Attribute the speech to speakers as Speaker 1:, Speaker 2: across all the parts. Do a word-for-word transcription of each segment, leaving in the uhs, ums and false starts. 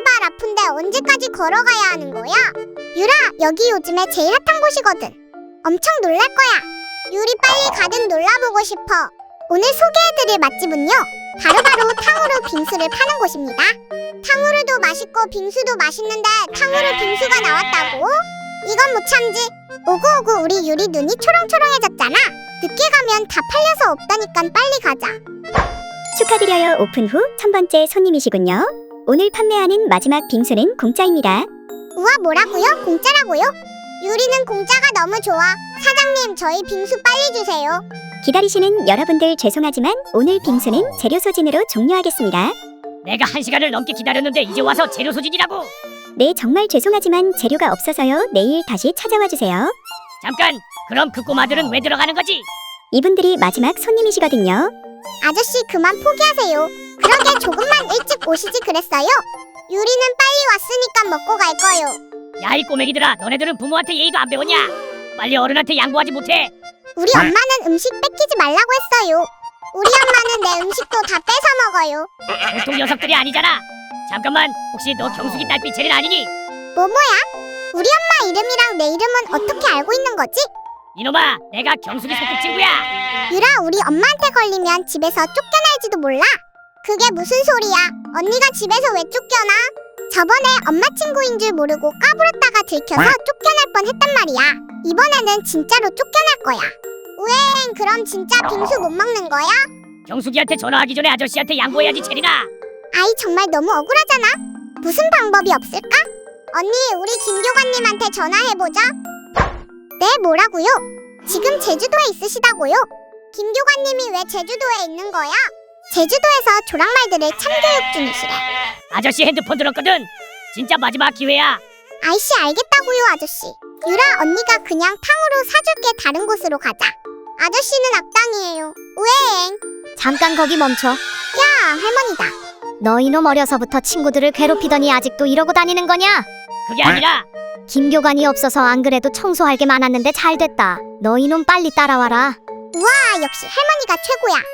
Speaker 1: 발 아픈데 언제까지 걸어가야 하는 거야? 유라, 여기 요즘에 제일 핫한 곳이거든. 엄청 놀랄 거야. 유리 빨리 가든 놀라보고 싶어. 오늘 소개해드릴 맛집은요, 바로바로 탕후루 빙수를 파는 곳입니다. 탕후루도 맛있고 빙수도 맛있는데 탕후루 빙수가 나왔다고? 이건 못 참지. 오구오구, 우리 유리 눈이 초롱초롱해졌잖아. 늦게 가면 다 팔려서 없다니깐 빨리 가자.
Speaker 2: 축하드려요. 오픈 후 천 번째 손님이시군요. 오늘 판매하는 마지막 빙수는 공짜입니다.
Speaker 1: 우와, 뭐라고요? 공짜라고요? 유리는 공짜가 너무 좋아. 사장님, 저희 빙수 빨리 주세요.
Speaker 2: 기다리시는 여러분들 죄송하지만 오늘 빙수는 재료 소진으로 종료하겠습니다.
Speaker 3: 내가 한 시간을 넘게 기다렸는데 이제 와서 재료 소진이라고.
Speaker 2: 네, 정말 죄송하지만 재료가 없어서요. 내일 다시 찾아와 주세요.
Speaker 3: 잠깐, 그럼 그 꼬마들은 왜 들어가는 거지?
Speaker 2: 이분들이 마지막 손님이시거든요.
Speaker 1: 아저씨, 그만 포기하세요. 그러게 조금만 일찍 오시지 그랬어요. 유리는 빨리 왔으니까 먹고 갈 거요.
Speaker 3: 야, 이 꼬맹이들아, 너네들은 부모한테 예의도 안 배웠냐? 빨리 어른한테 양보하지 못해?
Speaker 1: 우리 엄마는 음식 뺏기지 말라고 했어요. 우리 엄마는 내 음식도 다 뺏어 먹어요.
Speaker 3: 보통 녀석들이 아니잖아. 잠깐만, 혹시 너 경숙이 딸빛 체린 아니니?
Speaker 1: 뭐뭐야? 우리 엄마 이름이랑 내 이름은 어떻게 알고 있는 거지?
Speaker 3: 이놈아, 내가 경숙이 소꿉친구야.
Speaker 1: 유라, 우리 엄마한테 걸리면 집에서 쫓겨날지도 몰라. 그게 무슨 소리야? 언니가 집에서 왜 쫓겨나? 저번에 엄마 친구인 줄 모르고 까불었다가 들켜서 쫓겨날 뻔했단 말이야. 이번에는 진짜로 쫓겨날 거야. 우엥, 그럼 진짜 빙수 못 먹는 거야?
Speaker 3: 경숙이한테 전화하기 전에 아저씨한테 양보해야지, 체린아.
Speaker 1: 아이, 정말 너무 억울하잖아. 무슨 방법이 없을까? 언니, 우리 김교관님한테 전화해보자. 네, 뭐라고요? 지금 제주도에 있으시다고요? 김교관님이 왜 제주도에 있는 거야? 제주도에서 조랑말들을 참교육 중이시래.
Speaker 3: 아저씨 핸드폰 들었거든. 진짜 마지막 기회야.
Speaker 1: 아이씨, 알겠다고요, 아저씨. 유라, 언니가 그냥 탕후루 사줄게. 다른 곳으로 가자. 아저씨는 악당이에요. 우에엥.
Speaker 4: 잠깐 거기 멈춰.
Speaker 1: 야, 할머니다.
Speaker 4: 너 이놈 어려서부터 친구들을 괴롭히더니 아직도 이러고 다니는 거냐?
Speaker 3: 그게 아니라
Speaker 4: 김교관이 없어서 안 그래도 청소할 게 많았는데 잘 됐다. 너 이놈 빨리 따라와라.
Speaker 1: 우와, 역시 할머니가 최고야.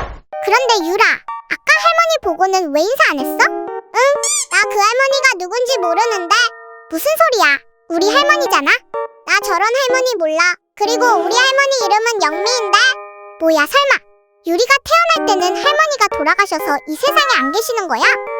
Speaker 1: 그런데 유라, 아까 할머니 보고는 왜 인사 안 했어? 응? 나 그 할머니가 누군지 모르는데. 무슨 소리야? 우리 할머니잖아? 나 저런 할머니 몰라. 그리고 우리 할머니 이름은 영미인데. 뭐야, 설마 유리가 태어날 때는 할머니가 돌아가셔서 이 세상에 안 계시는 거야?